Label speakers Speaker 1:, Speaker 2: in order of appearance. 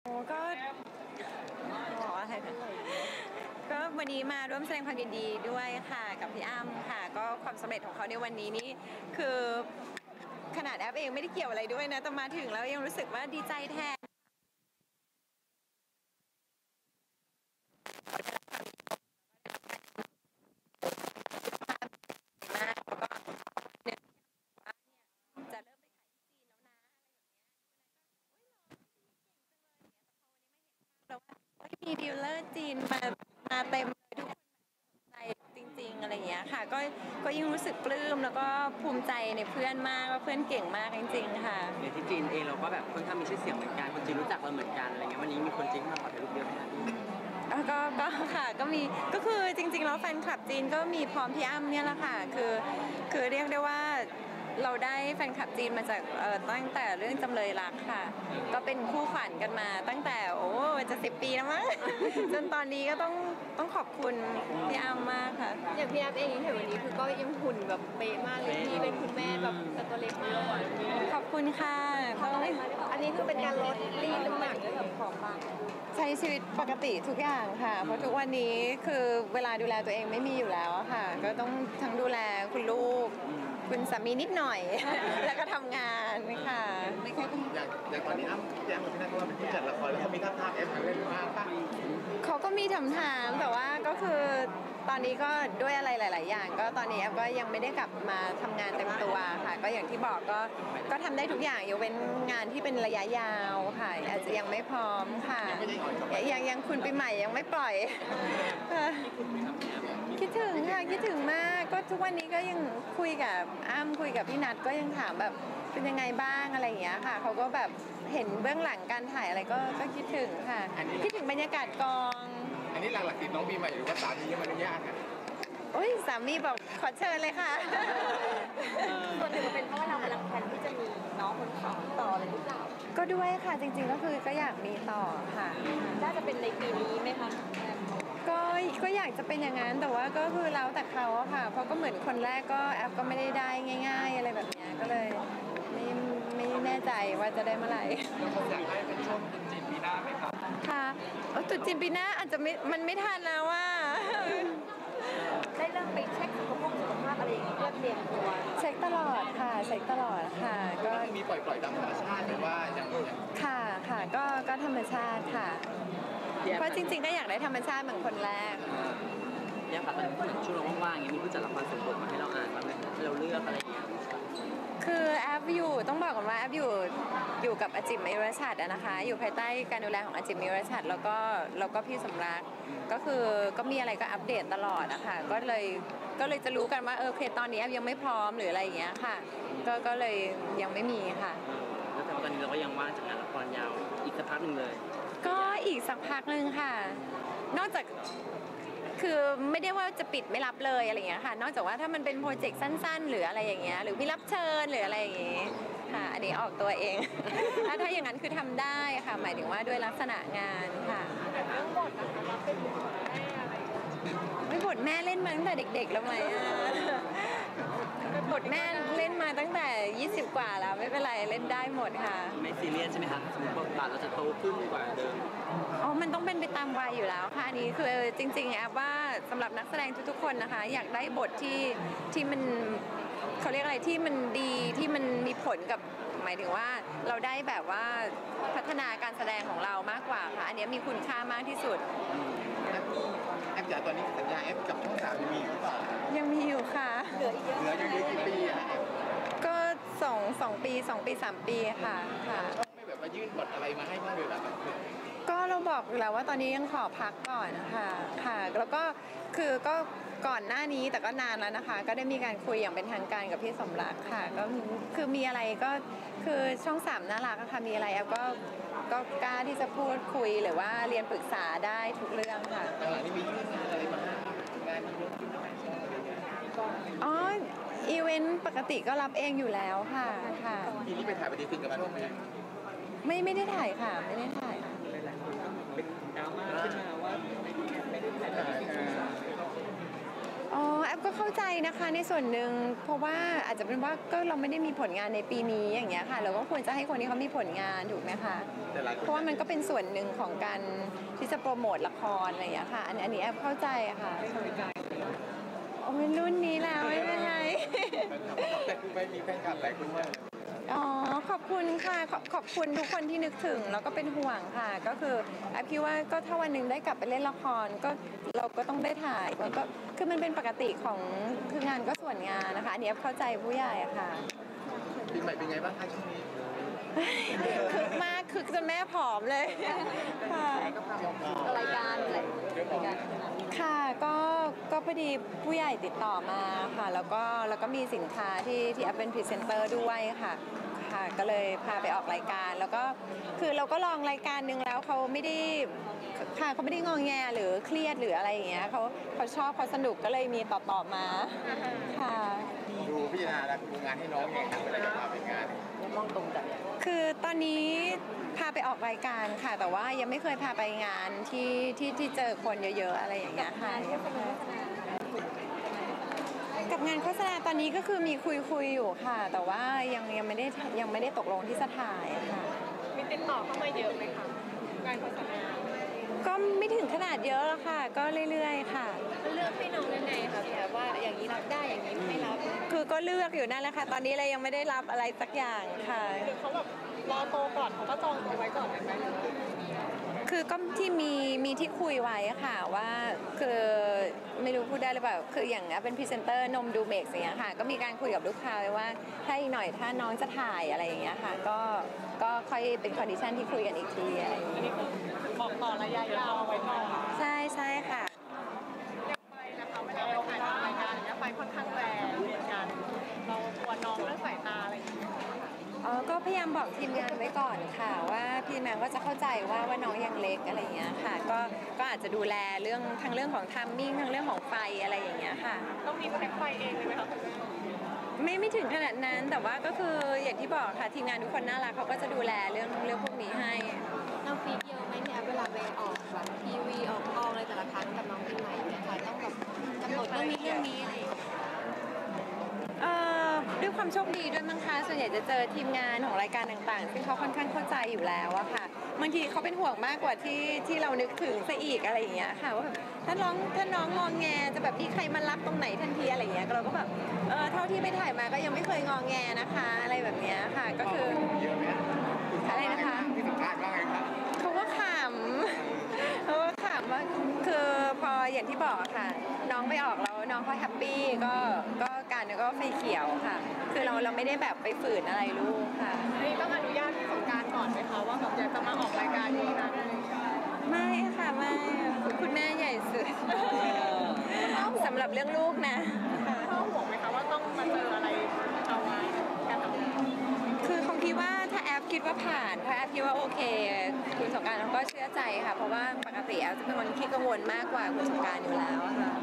Speaker 1: โอ้ก็บอกอะไรนะก็วันนี้มาร่วมแสดงความยินดีด้วยค่ะกับพี่อ้ำค่ะก็ความสำเร็จของเขาในวันนี้นี่คือขนาดแอปเองไม่ได้เกี่ยวอะไรด้วยนะแต่มาถึงแล้วยังรู้สึกว่าดีใจแทนมากแล้วก็เนี่ยว่าเนี่ยจะเริ่มไปถ่ายที่จีนแล้วนะอะไรแบบเนี้ยแล้วมีดีลเลอร์จีนมาเต็มเลยทุกคนใจจริงๆอะไรอย่างเงี้ยค่ะก็ยิ่งรู้สึกปลื้มแล้วก็ภูมิใจในเพื่อนมากว่าเพื่อนเก่งมากจริงๆค่ะ
Speaker 2: อย่างที่จีนเองเราก็แบบค่อนข้างมีชื่อเสียงเหมือนกันคนจีนรู้จักเราเหมือนกันอะไรเงี้ยวันนี้มีคนจีนมาขอถ่ายรูปเยอะไหมครับพี่
Speaker 1: ก็ค่ะก็มีก็คือจริงๆแล้วแฟนคลับจีนก็มีพร้อมพี่อ้ำเนี่ยแหละค่ะคือเรียกได้ว่าเราได้แฟนคลับจีนมาจากตั้งแต่เรื่องจำเลยรักค่ะก็เป็นคู่ขวัญกันมาตั้งแต่จะ10 ปีแล้วมั้ง จนตอนนี้ก็ต้องขอบคุณพี่อ้ำมากค่ะ
Speaker 3: อย่างพี่แอฟเองเห็นวันนี้คือก็ยังหุ่นแบบเป๊ะมากเลยที่เป็นคุณแม่แบบตัวเล็กมาก
Speaker 1: ขอบคุณค่ะ
Speaker 3: อันนี้คือเป็นการลดรีดน้ำหนักด้วยแบบของบาง
Speaker 1: ใช้ชีวิตปกติทุกอย่างค่ะเพราะทุกวันนี้คือเวลาดูแลตัวเองไม่มีอยู่แล้วค่ะก็ต้องทั้งดูแลคุณลูกคุณสามีนิดหน่อย แล้วก็ทำงานค่ะไม่ค่อย
Speaker 4: อย่างตอนนี้อ้ำแจ้งกับพี่นัทว่าเป็นผู้จัดละครแล้วเขามีท่าทางแอปเล่นมากป่ะ
Speaker 1: เขาก็มีถามแต่ว่าก็คือตอนนี้ก็ด้วยอะไรหลาย ๆ อย่างก็ตอนนี้แอฟก็ยังไม่ได้กลับมาทำงานเต็มตัวค่ะก็อย่างที่บอกก็ทำได้ทุกอย่างยกเว้นงานที่เป็นระยะยาวค่ะอาจจะยังไม่พร้อมค่ะยังคุณปีใหม่ยังไม่ปล่อยคิดถึงค่ะคิดถึงมากก็ทุกวันนี้ก็ยังคุยกับอ้ำคุยกับพี่นัทก็ยังถามแบบเป็นยังไงบ้างอะไรอย่างเงี้ยค่ะเขาก็แบบเห็นเบื้องหลังการถ่ายอะไรก็คิดถึงค่ะคิดถึงบรรยากาศกอง
Speaker 4: อันนี้หลักๆติดน้องปีใหม่หรือว่าสามียังไม่อนุญาตค่ะ
Speaker 1: โอ้ยสามีบอกขอเชิญเลยค่ะ
Speaker 3: ส่วนหนึ่งเป็นเพราะว่าเรากำลังแพลนที่จะมีน้องคนสองต่อเลยหรือเปล่า
Speaker 1: ก็ด้วยค่ะจริงๆก็คือก็อยากมีต่อค่ะ
Speaker 3: น่าจะเป็นในปีนี้ไหมคะ
Speaker 1: ก็อยากจะเป็นอย่างนั้นแต่ว่าก็คือแล้วแต่เขาอะค่ะเพราะก็เหมือนคนแรกก็แอปก็ไม่ได้ง่ายๆอะไรแบบนี้ก็เลยไม่แน่ใจว่าจะได้เมื่อไหร่
Speaker 4: อยากให้เป็นช่วงตรุษจีนปีหน้าไหมครับ
Speaker 1: ค่ะตรุษจีนปีหน้าอาจจะมันไม่ทันแล้วว่า
Speaker 3: ได้เริ่มไปเช็คสุขภาพอะไรอย่างเงี้ยเพื่อเตรียมตัว
Speaker 1: เช็คตลอดค่ะเช็คตลอดค่ะ
Speaker 4: ก็มีปล่อยตามธรรมชาติหรือว่าอย่าง
Speaker 1: ค่ะก็ธรรมชาติค่ะเพราะจริงๆก็อยากได้ธรรมชาติเหมือนคนแรก
Speaker 2: ยังค่ะตอนนี้ช่วงเราว่างๆอย่างนี้มีผู้จัดละครส่งบทมาให้เราอ่านบ้างไหมให้เราเลือกอะไรอย่างเงี้ย
Speaker 1: คือแอฟอยู่ต้องบอกก่อนว่าแอฟอยู่กับอาจิมมิรชัดนะคะอยู่ภายใต้การดูแลของอาจิมมิรชัดแล้วก็พี่สมรักก็คือก็มีอะไรก็อัปเดตตลอดนะคะก็เลยจะรู้กันว่าโอเคตอนนี้แอฟยังไม่พร้อมหรืออะไรอย่างเงี้ยค่ะก็เลยยังไม่มีค่ะ
Speaker 2: แล้วแต่ตอนนี้เราก็ยังว่างจากงานละครยาวอีกสักพักหนึ่งเลย
Speaker 1: ก็อีกสักพักหนึ่งค่ะนอกจากคือไม่ได้ว่าจะปิดไม่รับเลยอะไรอย่างเงี้ยค่ะนอกจากว่าถ้ามันเป็นโปรเจกต์สั้นๆหรืออะไรอย่างเงี้ยหรือมีรับเชิญหรืออะไรอย่างเงี้ยค่ะอันนี้ออกตัวเอง ถ้าอย่างนั้นคือทำได้ค่ะหมายถึงว่าด้วยลักษณะงานค่ะ
Speaker 3: เรื่องบทนะคะเราเป็นบทแม่อะไร
Speaker 1: ไม่บทแม่เล่นมาตั้งแต่เด็กๆแล้วไหมบทแม่เล่นมาตั้งแต่20 กว่าแล้วไม่เป็นไรเล่นได้หมดค่ะ
Speaker 2: ไม่ซีเรียสใช่ไหมคะสมมติบทบาทเราจะโตขึ้นกว่าเดิม
Speaker 1: มันต้องเป็นไปตามวัยอยู่แล้วค่ะนี่คือจริงๆแอบว่าสำหรับนักแสดงทุกๆคนนะคะอยากได้บทที่มันเขาเรียกอะไรที่มันดีที่มันมีผลกับหมายถึงว่าเราได้แบบว่าพัฒนาการแสดงของเรามากกว่าค่ะอันนี้มีคุณค่ามากที่สุด
Speaker 4: แอปจ๋าตอนนี้สัญญาแอปกับช่อง3ยังมีหรือเปล่า
Speaker 1: ยังมีอยู่ค่ะ
Speaker 3: เหลืออีกเยอะ
Speaker 4: เหลืออยู่กี่ปีอะ
Speaker 1: ก็2 ปี 3 ปีค่ะ
Speaker 4: ไม่แบบมายื่นบทอะไรมาให้บ้างเลยแบบ
Speaker 1: ก็เราบอกอยู่แล้วว่าตอนนี้ยังขอพักก่อนค่ะแล้วก็ก็ก่อนหน้านี้แต่ก็นานแล้วนะคะก็ได้มีการคุยอย่างเป็นทางการกับพี่สมรักค่ะก็คือมีอะไรก็คือช่อง3น่ารักค่ะมีอะไรแอฟก็กล้าที่จะพูดคุยหรือว่าเรียนปรึกษาได้ทุกเรื่องค่ะ
Speaker 4: นี่มียื่นงานอะไรมาให้งานเยอะขึ้นไหมอะไรเงี้ย
Speaker 1: อีเวนต์ปกติก็รับเองอยู่แล้วค่ะ
Speaker 4: ทีนี้ไปถ่ายปฏิทินกับช่วงไหม
Speaker 1: ไม่ได้ถ่ายค่ะไม่ได้ถ่าย
Speaker 2: เป็นดราม่าขึ้นมาว่าไม่ได้ถ่าย
Speaker 1: แอปก็เข้าใจนะคะในส่วนหนึ่งเพราะว่าอาจจะเป็นว่าก็เราไม่ได้มีผลงานในปีนี้อย่างเงี้ยค่ะเราก็ควรจะให้คนที่เขามีผลงานถูกไหมคะ
Speaker 4: แต่หลายคน
Speaker 1: เพราะว่ามันก็เป็นส่วนหนึ่งของการที่จะโปรโมทละครอะไรอย่างเงี้ยค่ะอันนี้แอบเข้าใจอะค่ะโอ้ยรุ่นนี้แล้วไม่เป็นไร
Speaker 4: แต่คือไม่มีแฟนคลับหลายคนมาก
Speaker 1: อ๋อขอบคุณค่ะขอบคุณทุกคนที่นึกถึงแล้วก็เป็นห่วงค่ะก็คือแอบคิดว่าก็ถ้าวันหนึ่งได้กลับไปเล่นละครก็เราก็ต้องได้ถ่ายมันก็คือมันเป็นปกติของคืองานก็ส่วนงานนะคะอันนี้แอบเข้าใจผู้ใหญ่อะค่ะ
Speaker 4: ปีใหม่เป็นไงบ้างคะช่วงนี้
Speaker 1: คึกมากคึกจนแม่ผอมเลยค่ะ
Speaker 3: รายการอะไรรายการ
Speaker 1: ค่ะก็พอดีผู้ใหญ่ติดต่อมาค่ะแล้วก็มีสินค้าที่แอปเป็นพรีเซนเตอร์ด้วยค่ะก็เลยพาไปออกรายการแล้วก็คือเราก็ลองรายการนึงแล้วเขาไม่ได้ค่ะเขาไม่ได้งองแงหรือเครียดหรืออะไรอย่างเงี้ยเขาชอบเขาสนุกก็เลยมีต่อมาค่ะ
Speaker 4: ดูพิจารณาแล้วดูงานให้น้องยังไงครับเวลาจะพาไปงาน
Speaker 2: มองตรงกัน
Speaker 1: คือตอนนี้พาไปออกรายการค่ะ แต่ว่ายังไม่เคยพาไปงานที่เจอคนเยอะๆอะไรอย่างเงี้ยค่ะกับงานโฆษณาตอนนี้ก็คือมีคุยอยู่ค่ะ แต่ว่ายังไม่ได้ตกลงที่จะถ่ายค่ะ
Speaker 3: มีติดต่อเข้ามาเยอะไหมคะงานโฆษณา
Speaker 1: ก็ไม่ถึงขนาดเยอะแล้วค่ะ ก็เรื่อยๆค่ะ
Speaker 3: เลือกให้น้องยังไงคะพี่แอบว่าอย่างนี้รับได้อย่างนี้ไม่รับ
Speaker 1: คือก็เลือกอยู่นั่นแหละค่ะ ตอนนี้เลยยังไม่ได้รับอะไรสักอย่างค่ะ
Speaker 3: หรือเขาแบบรอโตก่อนเขาก็จองเอาไว้ก่อนไหม
Speaker 1: คือก็ที่มีที่คุยไว้อะค่ะว่าคือไม่รู้พูดได้หรือเปล่าคืออย่างเป็นพรีเซนเตอร์นมดูเมกอย่างเงี้ยค่ะก็มีการคุยกับลูกค้าไว้ว่าถ้าอีกหน่อยถ้าน้องจะถ่ายอะไรอย่างเงี้ยค่ะก็ค่อยเป็นคอนดิชันที่คุยกันอีกทีอะไรอย่างเงี้ย
Speaker 3: บอกต่อระยะยาวไว้ก่อน
Speaker 1: ใช่ค่ะ
Speaker 3: ไปนะคะเวลาไปถ่ายรายการอย่างเงี้ยไปค่อนข้างแรงเหมือนกันเรากลัวน้องเรื่องสายตาอะไรอย่างเงี้ย
Speaker 1: ก็พยายามบอกทีมงานไว้ก่อนค่ะว่าพี่แมงก็จะเข้าใจว่าน้องยังเล็กอะไรอย่างเงี้ยค่ะก็อาจจะดูแลทั้งเรื่องของทัมมิ่งทั้งเรื่องของไฟอะไรอย่างเงี้ยค่ะ
Speaker 3: ต้องมีแพ็คไฟเองเลยไหมคะคุณแม่
Speaker 1: ไม่ถึงขนาดนั้นแต่ว่าก็คืออย่างที่บอกค่ะทีมงานทุกคนน่ารักเขาก็จะดูแลเรื่องพวกนี้ให้
Speaker 3: เราฟีดเยอะไหมเนี่ยเวลาไปออกแบบทีวีออกกองอะไรแต่ละครั้งกับน้องปีใหม่เนี่ยค่ะต้องแบบกำหนดเรื่องนี้อะไรอย่างเงี้ย
Speaker 1: ด้วยความโชคดีด้วยมั้งคะส่วนใหญ่จะเจอทีมงานของรายการต่างๆซึ่งเขาค่อนข้างเข้าใจอยู่แล้วอะค่ะบางทีเขาเป็นห่วงมากกว่าที่เรานึกถึงซะอีกอะไรอย่างเงี้ยค่ะว่าแบบถ้าน้องงองแงจะแบบมีใครมารับตรงไหนทันทีอะไรอย่างเงี้ยเราก็แบบเท่าที่ไปถ่ายมาก็ยังไม่เคยงองแงนะคะอะไรแบบเนี้ยค่ะก็คือ
Speaker 4: เยอะไหม
Speaker 1: อะไรนะคะ
Speaker 4: ที่สัมภาษณ์ว่าไงครับ
Speaker 1: เขาก็ขำว่าคือพออย่างที่บอกอะค่ะ น้องไปออกแล้วน้องเขาแฮปปี้ก็การก็ไฟเขียวค่ะ คือเราไม่ได้แบบไปฝืนอะไรลูกค่ะ
Speaker 3: นี่ต้องอนุญาตที่สงกรารก่อนไหมคะว่าแบบอยากจะมาออกรายการนี้นะ
Speaker 1: ไม่ค่ะไม่คุณแม่ใหญ่สุดสำหรับเรื่องลูกนะค่ะ
Speaker 3: พ่อห่วงไหมคะว่าต้องมาเจออะไรเอาไว้การทำงาน
Speaker 1: คือคงคิดว่าถ้าแอปคิดว่าผ่านถ้าแอปคิดว่าโอเค คุณสงกรานต์เขาก็เชื่อใจค่ะ เพราะว่าปกติแอปจะเป็นคนขี้กังวลมากกว่าคุณสงกรานต์อยู่แล้วอะค่ะ